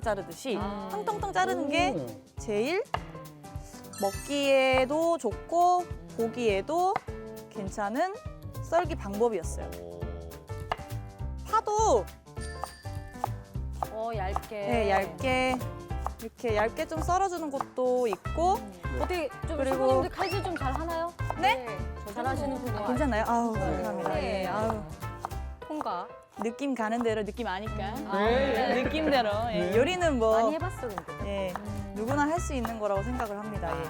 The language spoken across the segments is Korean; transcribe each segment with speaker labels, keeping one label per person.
Speaker 1: 자르듯이 텅텅텅 자르는 게 제일 먹기에도 좋고 보기에도 괜찮은 썰기 방법이었어요. 파도
Speaker 2: 얇게.
Speaker 1: 네, 얇게 이렇게 얇게 좀 썰어주는 것도 있고
Speaker 2: 어떻게 좀
Speaker 1: 그리고-
Speaker 2: 선생님들 칼질 좀 잘 하나요?
Speaker 1: 네?
Speaker 2: 잘하시는군요.
Speaker 1: 괜찮나요? 아우 감사합니다.
Speaker 2: 네.
Speaker 1: 예, 아우
Speaker 2: 통과.
Speaker 1: 느낌 가는 대로 느낌 아니까
Speaker 2: 네.
Speaker 1: 느낌대로 예, 요리는 뭐
Speaker 2: 많이 해봤어 근데.
Speaker 1: 예, 누구나 할 수 있는 거라고 생각을 합니다. 예.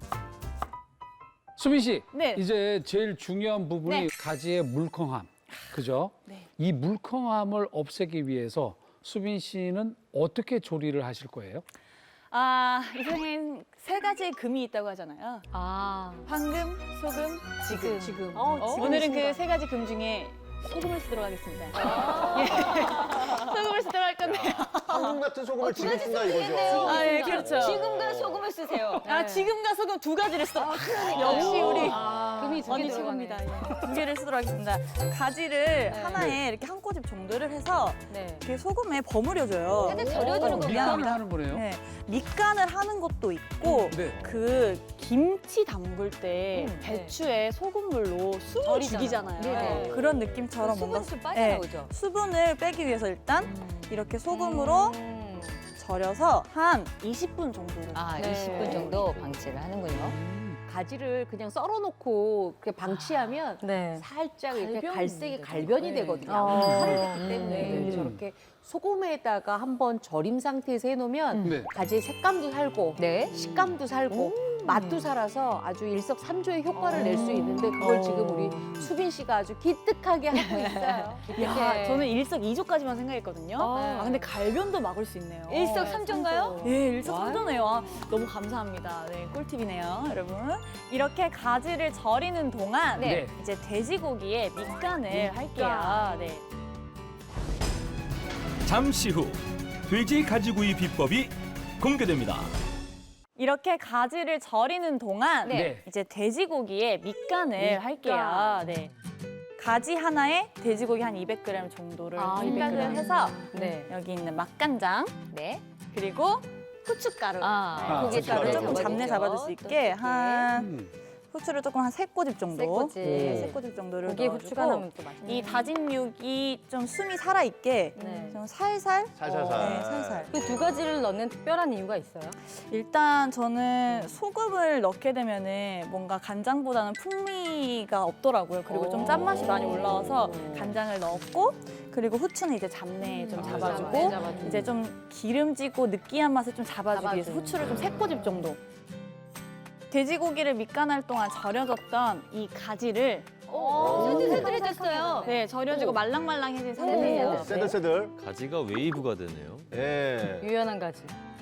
Speaker 3: 수빈 씨,
Speaker 1: 네.
Speaker 3: 이제 제일 중요한 부분이
Speaker 1: 네.
Speaker 3: 가지의 물컹함, 그죠?
Speaker 1: 네.
Speaker 3: 이 물컹함을 없애기 위해서 수빈 씨는 어떻게 조리를 하실 거예요?
Speaker 1: 아, 이 세상엔 세 가지의 금이 있다고 하잖아요.
Speaker 2: 아.
Speaker 1: 황금, 소금, 지금.
Speaker 2: 지금.
Speaker 1: 오늘은 그 세 가지 금 중에 소금을 쓰도록 하겠습니다. 예. 소금을 쓰도록 할 건데요.
Speaker 4: 황금 같은 소금을 지금 쓴다 이거죠.
Speaker 1: 아, 예, 그렇죠.
Speaker 2: 지금과 소금을 쓰세요.
Speaker 1: 아, 지금과 소금 두 가지를 쓰도록. 역시 우리
Speaker 2: 금이 두개
Speaker 1: 언니
Speaker 2: 들어가네.
Speaker 1: 최고입니다. 예. 두 개를 쓰도록 하겠습니다. 가지를 하나에 이렇게 한 꼬집 정도를 해서
Speaker 2: 네.
Speaker 1: 이렇게 소금에 버무려줘요.
Speaker 2: 살짝 절여주는 겁니다.
Speaker 3: 밑간을 하는 거네요.
Speaker 1: 네, 밑간을 하는 것도 있고
Speaker 3: 네.
Speaker 1: 그 김치 담글 때
Speaker 2: 네.
Speaker 1: 배추에 소금물로 숨을
Speaker 2: 절이잖아요.
Speaker 1: 죽이잖아요.
Speaker 2: 네네.
Speaker 1: 그런 느낌처럼 뭔가
Speaker 2: 수분이 좀
Speaker 1: 네,
Speaker 2: 빠져나오죠.
Speaker 1: 수분을 빼기 위해서 일단 이렇게 소금으로 절여서 한 20분 정도를
Speaker 5: 아,
Speaker 2: 네.
Speaker 5: 20분 정도 방치를 하는군요.
Speaker 6: 가지를 그냥 썰어놓고 이렇게 방치하면
Speaker 2: 네.
Speaker 6: 살짝 이렇게
Speaker 1: 갈변이
Speaker 6: 갈색이
Speaker 1: 되죠.
Speaker 6: 갈변이
Speaker 1: 네.
Speaker 6: 되거든요.
Speaker 2: 어.
Speaker 6: 칼을 냈기 때문에
Speaker 3: 네.
Speaker 6: 저렇게 소금에다가 한번 절임 상태에서 해놓으면
Speaker 3: 네.
Speaker 6: 가지의 색감도 살고
Speaker 5: 네.
Speaker 6: 식감도 살고 맛도 살아서 아주 일석삼조의 효과를 낼 수 있는데 그걸 지금 우리 수빈 씨가 아주 기특하게 하고 있어요.
Speaker 1: 야, 저는 일석이조까지만 생각했거든요.
Speaker 2: 아.
Speaker 1: 아, 근데 갈변도 막을 수 있네요.
Speaker 2: 일석삼조인가요?
Speaker 1: 예, 일석삼조네요. 아, 너무 감사합니다. 네, 꿀팁이네요, 여러분. 이렇게 가지를 절이는 동안
Speaker 3: 네.
Speaker 1: 이제 돼지고기에 밑간을 할게요. 네.
Speaker 7: 잠시 후 돼지 가지구이 비법이 공개됩니다.
Speaker 1: 이렇게 가지를 절이는 동안
Speaker 3: 네.
Speaker 1: 이제 돼지고기에 밑간을 할게요. 네. 가지 하나에 돼지고기 한 200g 정도를
Speaker 2: 아,
Speaker 1: 생각을
Speaker 2: 200g.
Speaker 1: 해서
Speaker 2: 네.
Speaker 1: 여기 있는 맛간장
Speaker 5: 네.
Speaker 1: 그리고 후춧가루
Speaker 5: 아,
Speaker 1: 고춧가루
Speaker 4: 후춧가루
Speaker 1: 조금 잡내 잡아줄 수 있게 한
Speaker 3: 음.
Speaker 1: 후추를 조금 한 3꼬집 정도
Speaker 2: 세 꼬집.
Speaker 1: 네, 3꼬집 정도를
Speaker 2: 고기에
Speaker 1: 넣어주고
Speaker 2: 후추가 나면 또 맛있네.
Speaker 1: 이 다진 육이 좀 숨이 살아있게
Speaker 2: 네.
Speaker 1: 좀 살살
Speaker 4: 살살살.
Speaker 1: 네, 살살
Speaker 2: 그 두 가지를 넣는 특별한 이유가 있어요?
Speaker 1: 일단 저는 소금을 넣게 되면은 뭔가 간장보다는 풍미가 없더라고요. 그리고 좀 짠맛이 많이 올라와서 간장을 넣었고 그리고 후추는 이제 잡내 좀 잡아주고 이제 좀 기름지고 느끼한 맛을 좀 잡아주기 위해서 후추를 좀 3꼬집 정도. 돼지고기를 밑간할 동안 절여졌던 이 가지를
Speaker 2: 새들새들해졌어요.
Speaker 1: 네, 절여지고 말랑말랑해진 상태예요.
Speaker 4: 새들새들.
Speaker 8: 가지가 웨이브가 되네요.
Speaker 4: 예.
Speaker 2: 유연한 가지.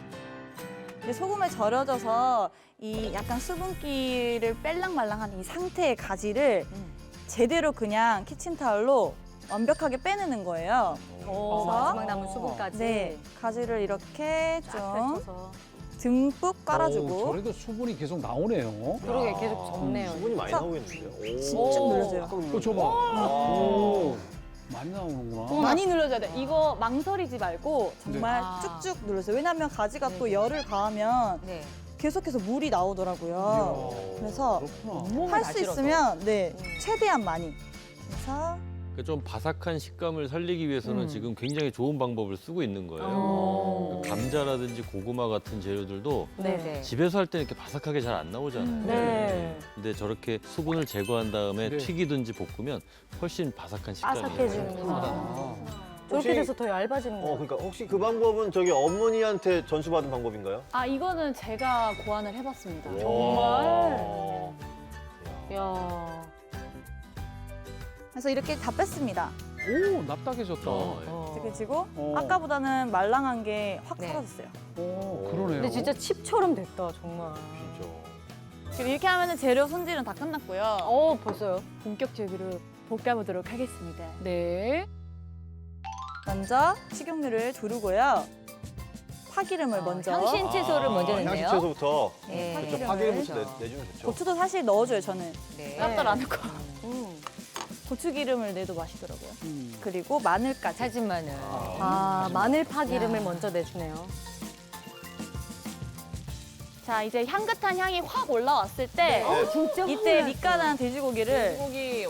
Speaker 1: 이제 소금에 절여져서 이 약간 수분기를 뺄랑말랑한 이 상태의 가지를 제대로 그냥 키친타올로 완벽하게 빼내는 거예요.
Speaker 2: 마지막 남은 수분까지.
Speaker 1: 네, 가지를 이렇게
Speaker 2: 쫙
Speaker 1: 좀
Speaker 2: 펼쳐서.
Speaker 1: 듬뿍 깔아주고
Speaker 3: 저래도 수분이 계속 나오네요.
Speaker 2: 그러게 계속 접네요.
Speaker 4: 수분이 많이 나오고 있는데요.
Speaker 1: 쭉 눌러줘요.
Speaker 3: 줘봐. 오, 많이 나오는구나.
Speaker 1: 많이 눌러줘야 돼. 이거 망설이지 말고 정말
Speaker 2: 네.
Speaker 1: 쭉쭉 눌러주세요. 왜냐하면 가지가 또 열을 가하면
Speaker 2: 네.
Speaker 1: 계속해서 물이 나오더라고요. 그래서
Speaker 3: 그렇구나.
Speaker 1: 할 수 있으면 네 최대한 많이. 그래서
Speaker 8: 그러니까 좀 바삭한 식감을 살리기 위해서는 지금 굉장히 좋은 방법을 쓰고 있는 거예요. 그러니까 감자라든지 고구마 같은 재료들도
Speaker 2: 네.
Speaker 8: 집에서 할 때는 이렇게 바삭하게 잘 안 나오잖아요.
Speaker 2: 네.
Speaker 8: 근데 저렇게 수분을 제거한 다음에
Speaker 3: 네.
Speaker 8: 튀기든지 볶으면 훨씬 바삭한 식감이
Speaker 2: 바삭해지는구나.
Speaker 3: 아.
Speaker 2: 저렇게
Speaker 4: 혹시-
Speaker 2: 돼서 더 얇아지는 거예요.
Speaker 4: 그러니까 혹시 그 방법은 저기 어머니한테 전수받은 방법인가요?
Speaker 1: 아 이거는 제가 고안을 해봤습니다.
Speaker 4: 정말.
Speaker 2: 이야.
Speaker 1: 그래서 이렇게 다 뺐습니다.
Speaker 3: 오, 납작해졌다.
Speaker 1: 그리고
Speaker 3: 어.
Speaker 1: 아까보다는 말랑한 게 확
Speaker 2: 네.
Speaker 1: 사라졌어요.
Speaker 3: 오, 그러네요.
Speaker 2: 근데 진짜 칩처럼 됐다, 정말.
Speaker 4: 진짜.
Speaker 1: 지금 이렇게 하면은 재료 손질은 다 끝났고요.
Speaker 2: 벌써요?
Speaker 1: 본격적으로 볶아보도록 하겠습니다.
Speaker 2: 네.
Speaker 1: 먼저 식용유를 두르고요. 파기름을 먼저.
Speaker 5: 향신 채소를 먼저 넣네요.
Speaker 4: 향신 채소부터.
Speaker 5: 예.
Speaker 4: 그렇죠. 파기름부터 내주면 좋죠.
Speaker 1: 고추도 사실 넣어줘요, 저는.
Speaker 5: 네.
Speaker 1: 짭짤 안 넣고. 고추기름을 내도 맛있더라고요. 그리고 마늘까지.
Speaker 5: 사진 마늘.
Speaker 2: 아, 마늘파 기름을 먼저 내주네요.
Speaker 1: 자, 이제 향긋한 향이 확 올라왔을 때
Speaker 6: 진짜
Speaker 1: 이때 밑간한 돼지고기를
Speaker 5: 고기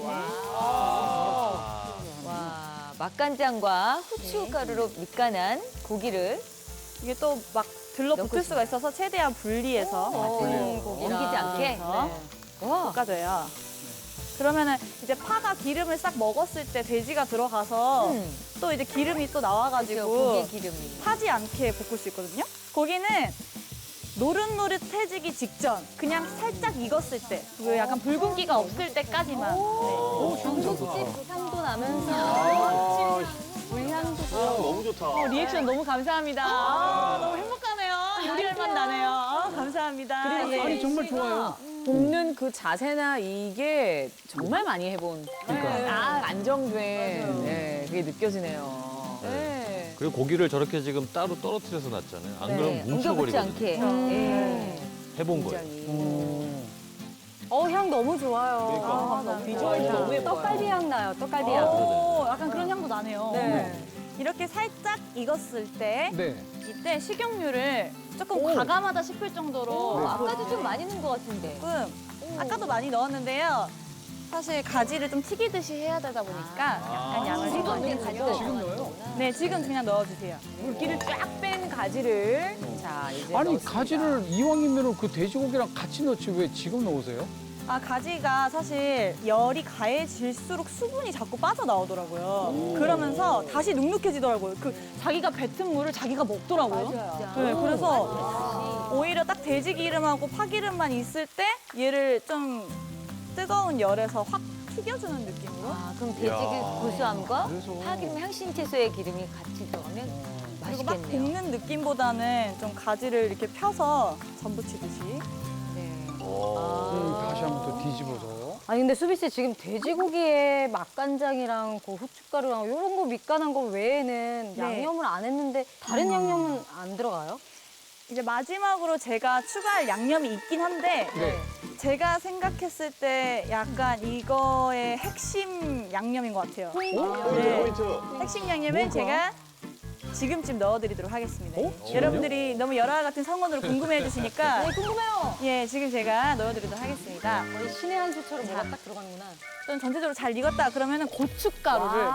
Speaker 5: 와, 맛간장과 후춧가루로 밑간한 고기를
Speaker 1: 이게 또 막 들러붙을 수가 있어서 최대한 분리해서
Speaker 5: 옮기지 않게.
Speaker 1: 와. 볶아줘요. 그러면은 이제 파가 기름을 싹 먹었을 때 돼지가 들어가서 또 이제 기름이 또 나와가지고
Speaker 5: 고기 기름이.
Speaker 1: 타지 않게 볶을 수 있거든요. 고기는 노릇노릇해지기 직전, 그냥 살짝 익었을 때, 그 약간 붉은기가 없을 때까지만. 네.
Speaker 2: 중국집 그 향도 나면서 물향도
Speaker 4: 너무 좋다.
Speaker 1: 리액션 너무 감사합니다. 너무 행복하네요. 요리할 맛 나네요. 감사합니다.
Speaker 3: 아니 정말 좋아요.
Speaker 2: 볶는 그 자세나 이게 정말 많이 해본 딱 안정된 그게 느껴지네요. 네.
Speaker 8: 그리고 고기를 저렇게 지금 따로 떨어뜨려서 놨잖아요. 안 그러면
Speaker 5: 옮겨붙지
Speaker 8: 뭉쳐버리거든요.
Speaker 5: 않게.
Speaker 8: 해본 거예요.
Speaker 2: 향 너무 좋아요.
Speaker 4: 그러니까.
Speaker 2: 너무 비주얼이 너무 예뻐요. 떡갈비 향 나요, 떡갈비 향.
Speaker 1: 오, 약간 그런 향도 나네요.
Speaker 2: 네.
Speaker 1: 이렇게 살짝 익었을 때
Speaker 3: 네.
Speaker 1: 이때 식용유를 조금 과감하다 싶을 정도로
Speaker 5: 아까도 좀 많이 넣은 것 같은데.
Speaker 1: 조금 아까도 많이 넣었는데요. 사실 가지를 좀 튀기듯이 해야 되다 보니까 약간 양을 해가지고
Speaker 3: 지금 넣어요?
Speaker 1: 네, 지금 그냥 넣어주세요.
Speaker 2: 물기를 쫙 뺀 가지를 자 이제
Speaker 3: 아니
Speaker 2: 넣습니다.
Speaker 3: 가지를 이왕이면 그 돼지고기랑 같이 넣지 왜 지금 넣으세요?
Speaker 1: 아, 가지가 사실 열이 가해질수록 수분이 자꾸 빠져나오더라고요. 그러면서 다시 눅눅해지더라고요. 그 자기가 뱉은 물을 자기가 먹더라고요. 네, 그래서 오히려 딱 돼지 기름하고 파기름만 있을 때 얘를 좀 뜨거운 열에서 확 튀겨주는 느낌으로.
Speaker 5: 아, 그럼 돼지 그 고소함과
Speaker 3: 그래서.
Speaker 5: 파기름 향신 채소의 기름이 같이 들어가면
Speaker 1: 그리고 막
Speaker 5: 맛있겠네요.
Speaker 1: 볶는 느낌보다는 좀 가지를 이렇게 펴서 전부치듯이.
Speaker 5: 네.
Speaker 3: 다시 한번 또 뒤집어서.
Speaker 2: 아니 근데 수비 씨 지금 돼지고기에 맛간장이랑 그 후춧가루랑 이런 거 밑간한 거 외에는
Speaker 1: 네.
Speaker 2: 양념을 안 했는데 다른 양념은 안 들어가요?
Speaker 1: 이제 마지막으로 제가 추가할 양념이 있긴 한데
Speaker 3: 네.
Speaker 1: 제가 생각했을 때 약간 이거의 핵심 양념인 것 같아요.
Speaker 4: 포인트.
Speaker 1: 핵심 양념은 제가 지금쯤 넣어드리도록 하겠습니다. 여러분들이 너무 열화 같은 성원으로 궁금해해 주시니까
Speaker 2: 궁금해요.
Speaker 1: 예, 지금 제가 넣어드리도록 하겠습니다.
Speaker 2: 거의 신의 한 수처럼 뭐가 딱 들어가는구나.
Speaker 1: 좀 전체적으로 잘 익었다 그러면 고춧가루를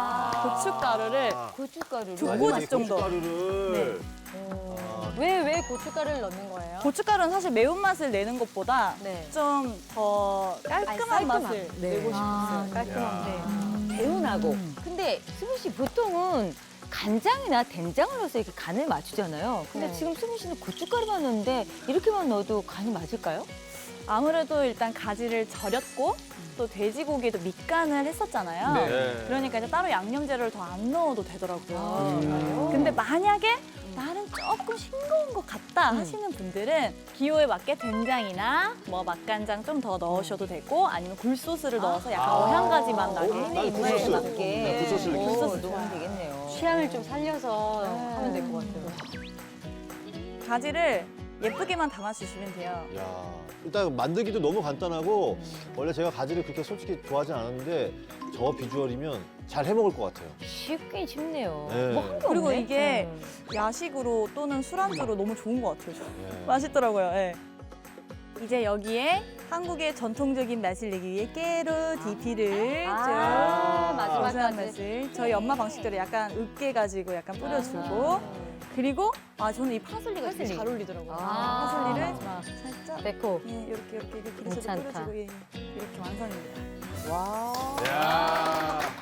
Speaker 5: 고춧가루를.
Speaker 1: 두 꼬집 정도.
Speaker 4: 고춧가루를.
Speaker 2: 왜 고춧가루를 넣는 거예요?
Speaker 1: 고춧가루는 사실 매운맛을 내는 것보다
Speaker 2: 네.
Speaker 1: 좀 더 깔끔한 맛을 내고 싶었어요.
Speaker 2: 깔끔한데.
Speaker 5: 개운하고. 근데 수빈 씨 보통은 간장이나 된장을 넣어서 이렇게 간을 맞추잖아요. 근데
Speaker 2: 네.
Speaker 5: 지금 수빈 씨는 고춧가루만 넣는데 이렇게만 넣어도 간이 맞을까요?
Speaker 1: 아무래도 일단 가지를 절였고 또 돼지고기에도 밑간을 했었잖아요.
Speaker 3: 네.
Speaker 1: 그러니까 이제 따로 양념 재료를 더 안 넣어도 되더라고요. 근데 만약에 나는 조금 싱거운 것 같다 하시는 분들은 기호에 맞게 된장이나 뭐 맛간장 좀 더 넣으셔도 되고 아니면 굴소스를 넣어서 약간 어향가지 맛 나게.
Speaker 4: 난 굴소스.
Speaker 5: 맞게.
Speaker 4: 굴소스를
Speaker 5: 오,
Speaker 1: 굴소스
Speaker 5: 넣으면 되겠네요.
Speaker 2: 취향을 좀 살려서 하면 될 것 같아요.
Speaker 1: 가지를 예쁘게만 담아주시면 돼요.
Speaker 4: 야, 일단 만들기도 너무 간단하고 원래 제가 가지를 그렇게 솔직히 좋아하진 않았는데 저 비주얼이면 잘 해먹을 것 같아요.
Speaker 5: 쉽긴 쉽네요.
Speaker 4: 네.
Speaker 5: 뭐 한 게
Speaker 1: 그리고
Speaker 5: 없네.
Speaker 1: 이게 야식으로 또는 술안주로 너무 좋은 것 같아요.
Speaker 4: 예.
Speaker 1: 맛있더라고요. 예. 이제 여기에 한국의 전통적인 맛을 내기 위해 깨로 디피를 좀
Speaker 2: 마지막까지.
Speaker 1: 고소한 맛을 저희 엄마 방식대로 약간 으깨 가지고 약간 뿌려주고 그리고 저는 이 파슬리가 되게 잘 어울리더라고요. 파슬리를 살짝
Speaker 2: 데코.
Speaker 1: 예, 이렇게 그래서
Speaker 2: 괜찮다.
Speaker 1: 뿌려주고 예, 이렇게 완성입니다.
Speaker 4: 야.